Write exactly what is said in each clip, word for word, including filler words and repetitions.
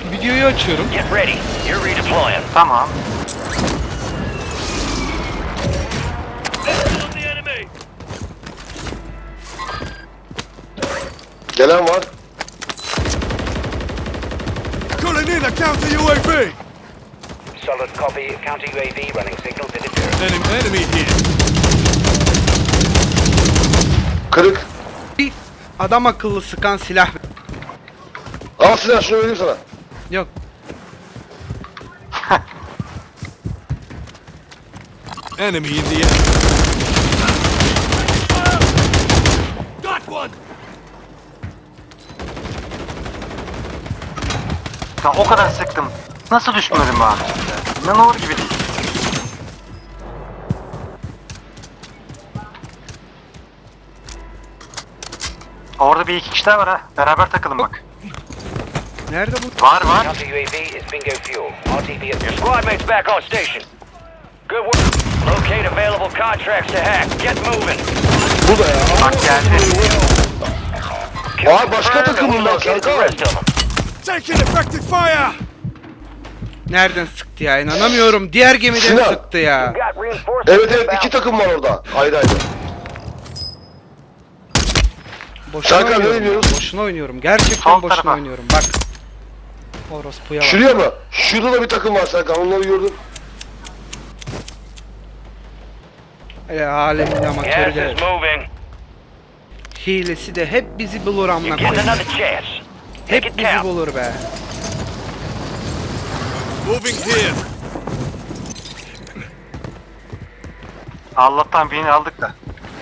videoyu açıyorum. Get ready. You're redeploying. Tamam. Gelen var. Calling in a counter U A V. Solid copy. Counter U A V running signals interference. Enemy, enemy here. Kırık. Bir adam akıllı sıkan silah. Al silah, şunu vereyim sana. Yok. Enemy in the air. Got one. Ya o kadar sıktım. Nasıl düşmedim abi? İnanılır gibi değil. Orada bir iki kişi daha var ha. Beraber takalım bak. Nerede bu? Var var. Counter U A V is bingo fuel. R T B. Your squad mates back on station. Good work. Locate available contracts to hack. Get moving. Bu da ya. Bak geldi. Aa, başka takım bunlar, Located the Serkan. rest of them. Taking effective fire. Nereden sıktı ya? İnanamıyorum. Diğer gemiden Sinan. sıktı ya. Got reinforcements Evet evet, inbound. iki takım var orada. Ayrı ayrı. Boşuna Serkan, ne oynuyorum. ya, oynuyoruz? Boşuna oynuyorum. Gerçekten Sol boşuna tarafa. oynuyorum. Bak. Orospuya bak. Şuraya mı? Şurada da bir takım var Serkan. Onları gördüm. Ya, alemin amatörü Gas de. is moving. Hilesi de hep bizi bulur amına You're getting koyayım. another chance. Take Hep it bizi count. bulur be. Moving here. Allah'tan birini aldık da.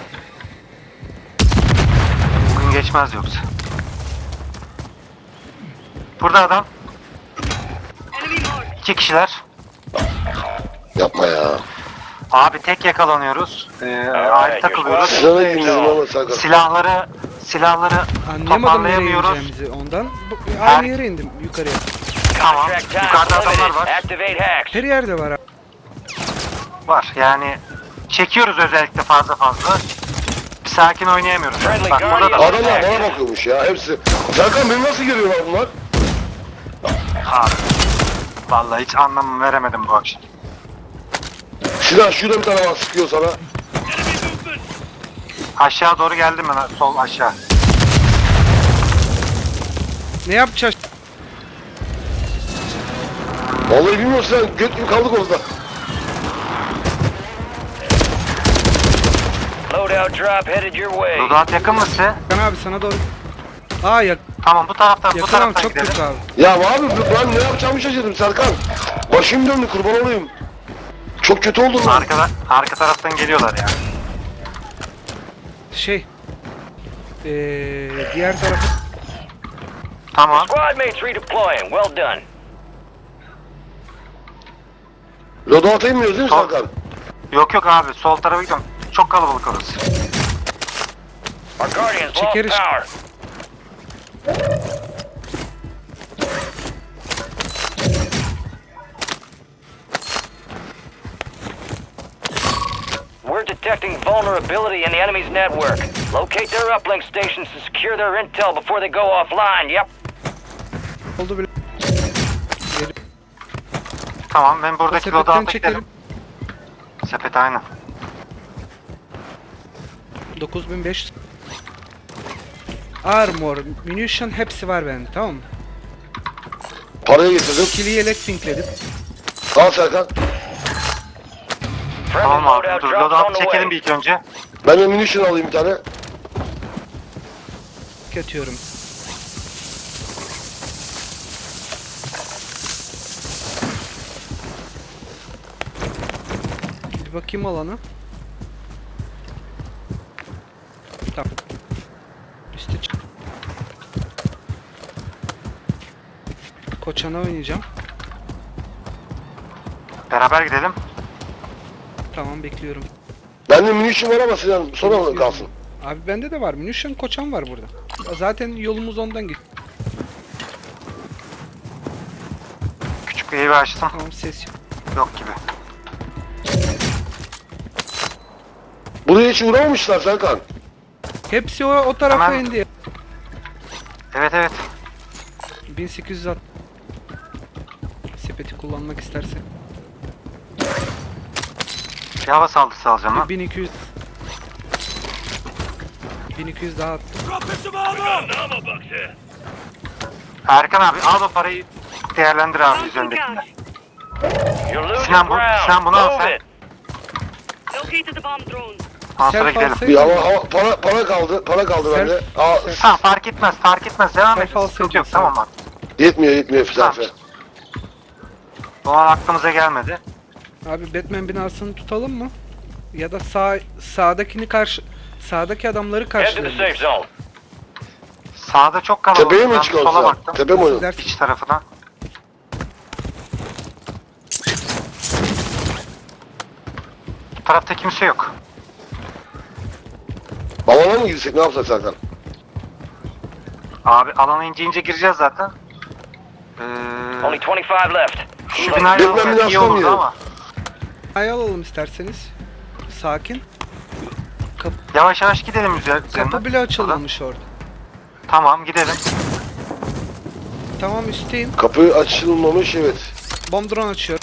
Bugün geçmez yoksa. Burada adam. İki kişiler. Yapma ya. Abi tek yakalanıyoruz. Ee, ayrı takılıyoruz. Sinan'a girdim ama Serkan. Silahları silahları Anlayamadım nereye toparlayamıyoruz. ineceğimizi ondan. Bu- Her- Aynı yere indim yukarıya. Tamam. Contract time Yukarıda adamlar limited. var. Activate hacks. Her yerde var abi. Var. Yani çekiyoruz özellikle fazla fazla. Bir sakin oynayamıyoruz. Friendly Bak burada da Guardian. Adamlar bana bakıyormuş ya, hepsi. Serkan, beni nasıl görüyorlar bunlar? abi. Vallahi hiç anlam veremedim bu akşam. Sinan, şurada bir tane var, sıkıyor sana. Aşağı doğru geldim ben, sol aşağı. Ne yapacağız? Vallahi bilmiyorum Sinan, göt gibi kaldık orada. Loadout drop headed your way. Loadout yakın mı size? Kan abi sana doğru. Aa yak Tamam bu taraftan bu yakınım taraftan çok gidelim. kötü abi. Ya abi, ben ne yapacağımı şaşırdım Serkan. Başım döndü, kurban olayım. Çok kötü oldum ben. Arkada, arka taraftan geliyorlar ya. Şey. Ee, diğer tarafı Tamam. Squad mates redeploying. Well done. Loadout'a inmiyoruz değil mi Sol- Serkan? Yok yok abi sol tarafa gidiyorum. Çok kalabalık orası. Our Guardians lost Çekeriz. power. We're detecting vulnerability in the enemy's network. Locate their uplink stations to secure their intel before they go offline. Yep. oldu bile. Tamam ben buradaki Sepetten loadout'a çekelim. gidelim. Sepet aynen. dokuz bin beş yüz. Armor, munition hepsi var bende, tamam mı? Parayı getirdim. İkili yelek pinkledim. Al Serkan. Friendly Tamam abi loadout dur drops on loadout the çekelim way. bir ilk önce. Ben de munition alayım bir tane. Atıyorum. Bir bakayım alana. Tamam. İşte çık. Koçana oynayacağım. Beraber gidelim. Tamam bekliyorum. Bende munition var ama Sinan sonra mı kalsın? Abi bende de var. Munition koçan var burada. Zaten yolumuz ondan git. Küçük bir evi açtım. Tamam ses yok. Yok gibi. Buraya hiç uğramamışlar Serkan. Hepsi o, o tarafa Hemen- indi. Evet evet. bin sekiz yüz altmış. Sepeti kullanmak isterse. Bir hava saldırısı alacağım lan. bin iki yüz bin iki yüz daha attım. Dropping some armor! Erkan abi al o parayı değerlendir abi üzerindekini. You're losing Sinan bu- ground. Sinan bunu al Move sen. it. Located the bomb drone. Ondan sonra Self gidelim. alsaydın Bir mı? hava, hava para para kaldı. Para kaldı Self- bende. Aa, Tamam fark etmez fark etmez devam Self et. Sıkıntı yok alsaydın tamam bak. yetmiyor yetmiyor Selfie. O an aklımıza gelmedi. Abi Batman binasını tutalım mı? Ya da sağ sağdakini karşı sağdaki adamları Head to the safe karşılayalım. zone. Sağda çok kalabalık. Tepeye mi Ben çıkıyoruz sola ya? baktım. Tepe mi oynuyoruz? Dersin. İç tarafına. Bu tarafta kimse yok. Balona mı girsek ne yapsak Serkan? Abi alana ince ince gireceğiz zaten. Only Ee, twenty-five left. şu binayı Batman almak iyi binasına olurdu girelim. ama. Ay alalım isterseniz. Sakin. Yavaş yavaş gidelim üzerine. Kapı bile açılmamış orada. Tamam gidelim. Tamam üstteyim. Kapı açılmamış evet. Bomb drone açıyor.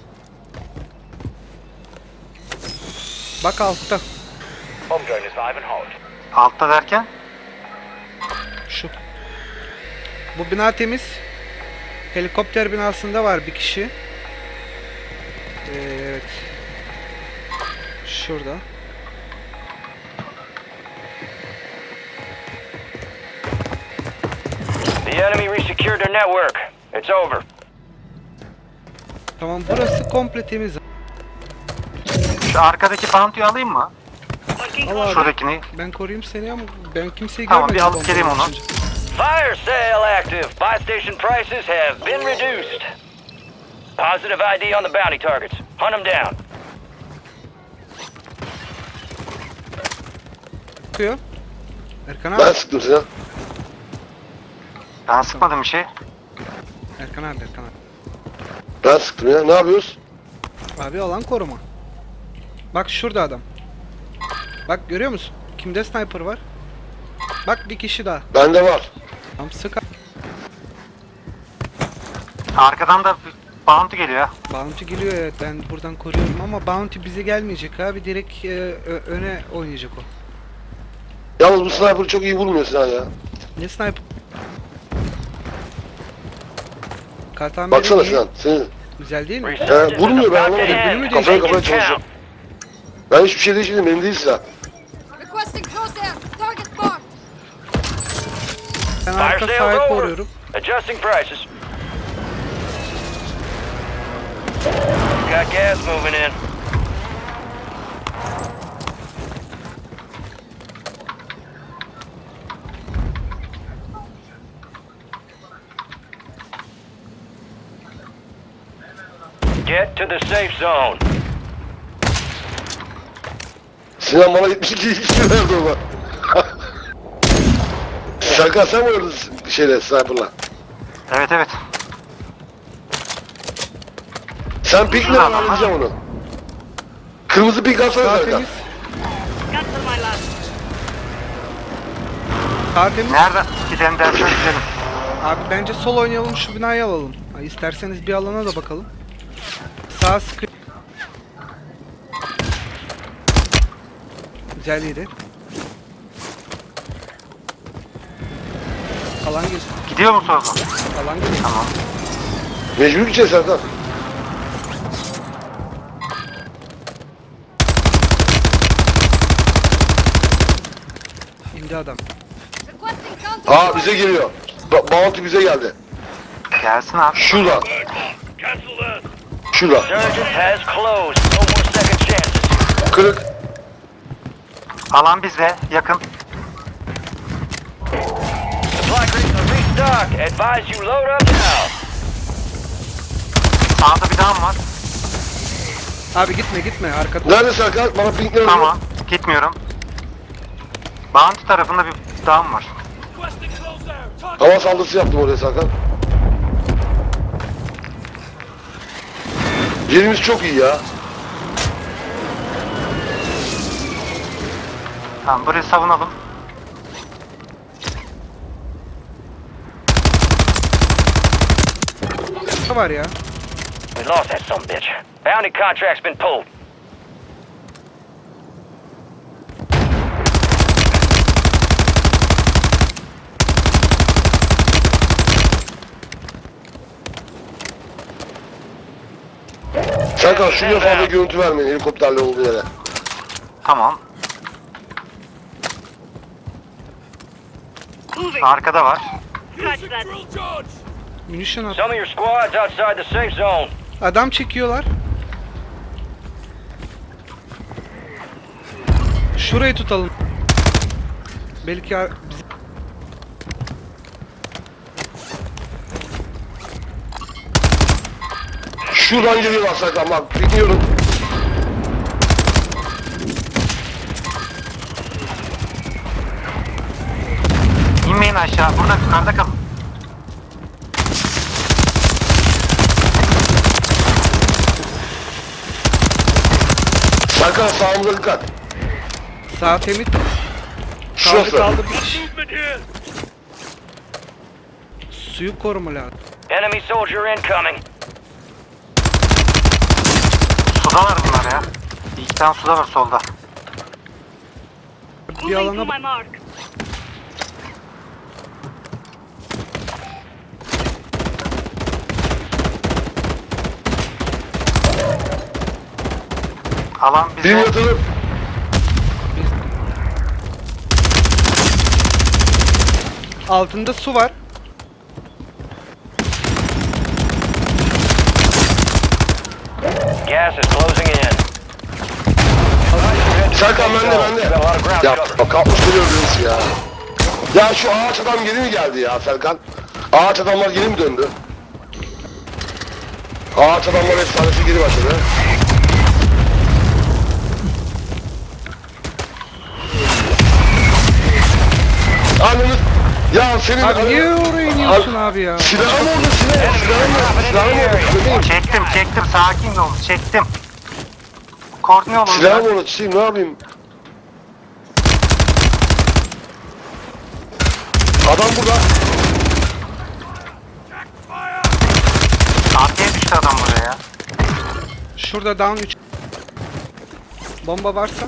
Bak altta. Home drone is live and hot. Altta derken. Şu. Bu bina temiz. Helikopter binasında var bir kişi. Ee, evet. Şurada. The enemy resecured their network. It's over. Tamam burası komple temiz. Şu arkadaki bounty'yi alayım mı? Marking Al hostile. abi. Şuradakini. Ben koruyayım seni ama ben kimseyi Tamam, görmedim. bir alıp bomba geleyim onu. açınca. Fire sale active. Buy station prices have been reduced. Positive I D on the bounty targets. Hunt them down. Bakıyor. Erkan abi. Ben sıktım Sinan. Ben sıkmadım bir şey. Erkan abi, Erkan abi. Ben sıktım ya. Ne yapıyoruz? Abi alan koruma. Bak şurada adam. Bak görüyor musun? Kimde sniper var? Bak bir kişi daha. Bende var. Tam sık. Arkadan da bir bounty geliyor ha. Bounty geliyor evet ben buradan koruyorum ama Bounty bize gelmeyecek abi direkt e, ö- öne oynayacak o. Yalnız bu sniper çok iyi vurmuyor Sinan ya. Ne sniper? Kartameli Baksana iyi. Sinan. Senin... Güzel değil mi? Resurgence is vurmuyor, ben about to anlamadım. end. Bölümü Kafaya Make kafaya it çalışıyor. count. Ben hiçbir şey değişmedim. Benim değil Sinan. Requesting crosshair. Target marked. Ben Fire arka sale's sahayı over. koruyorum. Adjusting prices. Got gas moving in. Get to the safe zone. Sinan bana yetmiş iki kişi verdi ona. Serkan sen mi öldün şeyle sniper'la? Evet evet. Sen pikle ben halledeceğim onu. Kırmızı pik atsana Sağ Serkan. temiz. Cancel my last. Sağ temiz. Nerede gidelim dersen gidelim. Abi bence sol oynayalım şu binayı alalım. Ha, İsterseniz bir alana da bakalım. Sağ sıkı. Güzel yedi. Alan gir. Gidiyor mu sola? Alan gir. Tamam. Mecbur gideceğiz Serkan. İndi adam. Requesting counter. Aa bize geliyor. Ba Bounty bize geldi. Gelsin abi. Şurada. Şurada. Surgeon has closed. No more second chances. Kırık. Alan bizde yakın. Supply crates are restocked. Advise you load up now. Sağda bir dam var. Abi gitme gitme arkada. Nerede Serkan? Bana pinkler Tamam. Gitmiyorum. Bounty tarafında bir dam var. Requesting close air. Target. Hava saldırısı yaptım oraya Serkan. Yerimiz çok iyi ya. Tamam burayı savunalım. Ne var ya? We lost that son of a bitch. Bounty contract's been pulled. Serkan şuraya fazla görüntü vermeyin helikopterle olduğu yere. Tamam. Moving. Arkada var. Scratch Using that. drill charge. Munition at. Some of your squads outside the safe zone. Adam çekiyorlar. Şurayı tutalım. Belki ar- bizi- Şuradan geliyorlar Serkan bak bilmiyorum. İnmeyin aşağı. Burada yukarıda kalın. Serkan sağımıza dikkat. sağ temiz. Kaldı Şurası. kaldı bir kişi. Movement here. Suyu koruma lazım. Enemy soldier incoming. Sudalar bunlar ya. Bir iki tane suda var solda. Bir Moving to alana my mark. Alan Bir bize... yatırıp. altında su var. Gas is closing in. Serkan bende Got a lot of bende. ground Ya cover. bak kalkmış duruyoruz birisi ya. Ya şu ağaç adam geri mi geldi ya Serkan? Ağaç adamlar geri mi döndü? Ağaç adamlar efsanesi geri başladı. Anladın? Ya senin... Abi niye oraya iniyorsun abi ya? Silahım oldu silah. Silahım oldu. Silahım oldu. Bebeğim. Çektim çektim. Sakin olun. Çektim. Koordine olun. Silahım oldu. Çiğim ne yapayım? Adam burada. Arkaya düştü adam buraya ya. Şurada down üç. Bomba varsa.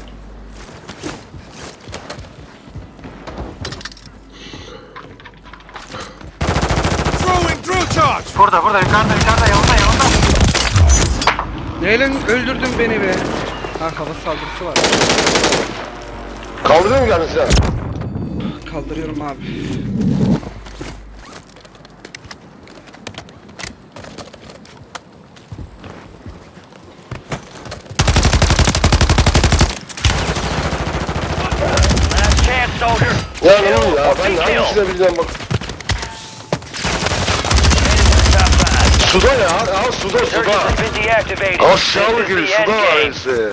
Throwing drill charge. Burada burada yukarıda yukarıda yanında yanında. Neyle öldürdün beni be? Ha hava saldırısı var. Kaldırıyor mu geldin silah? Kaldırıyorum abi. Last chance, soldier. Ya ne oluyor ya? Or Ben be hangi killed. silah bileceğim bak. Top five. Suda ya. Ya suda Surges suda. have been deactivated. This Aşağılık is gibi the end suda game. ailesi.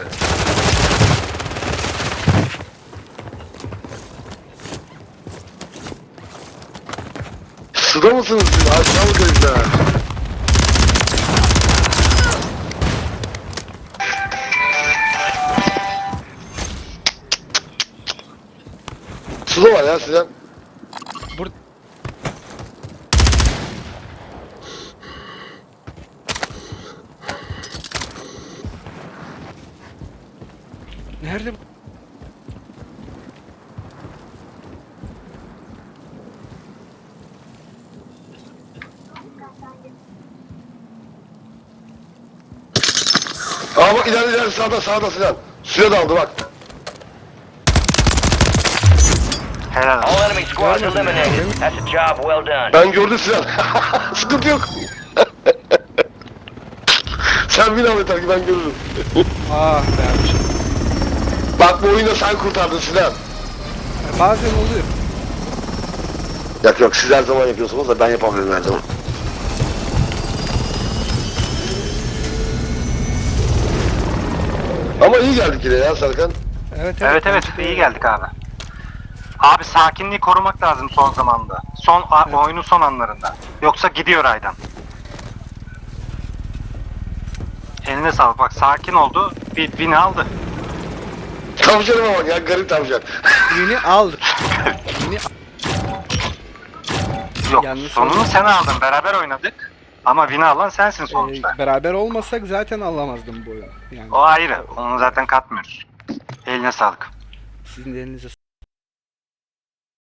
Suda mısınız siz? Aşağılık herifler. Suda var ya Sinan. Bur Nerede bu? Aa bak ileride ileride sağda sağda Sinan. Suya daldı bak. Helal olsun. All enemy squads eliminated. That's a job well done. Ben gördüm Sinan. Sıkıntı yok. Sen bin al yeter ki ben görürüm. Ah be abiciğim. Bak bu oyunda sen kurtardın Sinan. Bazen oluyor. Yok yok siz her zaman yapıyorsunuz da ben yapamıyorum her zaman. Ama iyi geldik yine ya Serkan. Evet Evet evet iyi geldik abi. Abi sakinliği korumak lazım son zamanda. Son a- Evet. oyunun son anlarında. Yoksa gidiyor aydan. Eline sağlık bak sakin oldu. Bir bini aldı. Tavşanıma bak ya garip tavşan. Yeni aldık. Yeni Yok Yalnız sonunu oldu. sen aldın. Beraber oynadık. Ama bina alan sensin Ee, sonuçta. beraber olmasak zaten alamazdım bu oyunu. Yani O ayrı. Onu zaten katmıyoruz. Eline sağlık. sizin de elinize